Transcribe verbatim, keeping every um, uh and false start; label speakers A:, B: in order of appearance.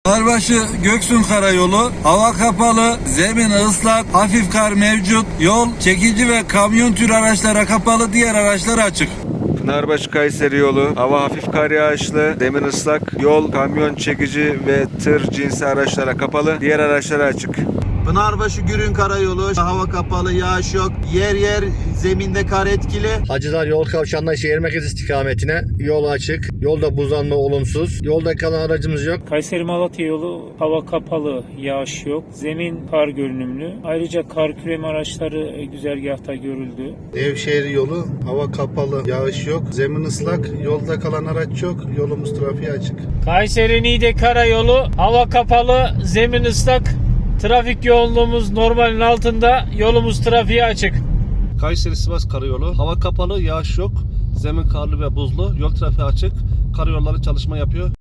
A: Pınarbaşı Göksun Karayolu, hava kapalı, zemin ıslak, hafif kar mevcut, yol çekici ve kamyon tür araçlara kapalı, diğer araçlar açık.
B: Pınarbaşı Kayseri yolu, hava hafif kar yağışlı, zemin ıslak, yol kamyon çekici ve tır cinsi araçlara kapalı, diğer araçlara açık.
C: Pınarbaşı Gürün Karayolu, hava kapalı, yağış yok. Yer yer zeminde kar etkili.
D: Hacılar yol kavşağından şehir merkezi istikametine yol açık. Yolda buzlanma olumsuz. Yolda kalan aracımız yok.
E: Kayseri Malatya yolu hava kapalı, yağış yok. Zemin kar görünümlü. Ayrıca kar küreme araçları güzergahta görüldü.
F: Nevşehir yolu hava kapalı, yağış yok. Zemin ıslak, yolda kalan araç yok. Yolumuz trafiğe açık.
E: Kayseri Niğde Karayolu hava kapalı, zemin ıslak. Trafik yoğunluğumuz normalin altında. Yolumuz trafiğe açık.
G: Kayseri Sivas Karayolu hava kapalı, yağış yok. Zemin karlı ve buzlu. Yol trafiği açık. Karayolları çalışma yapıyor.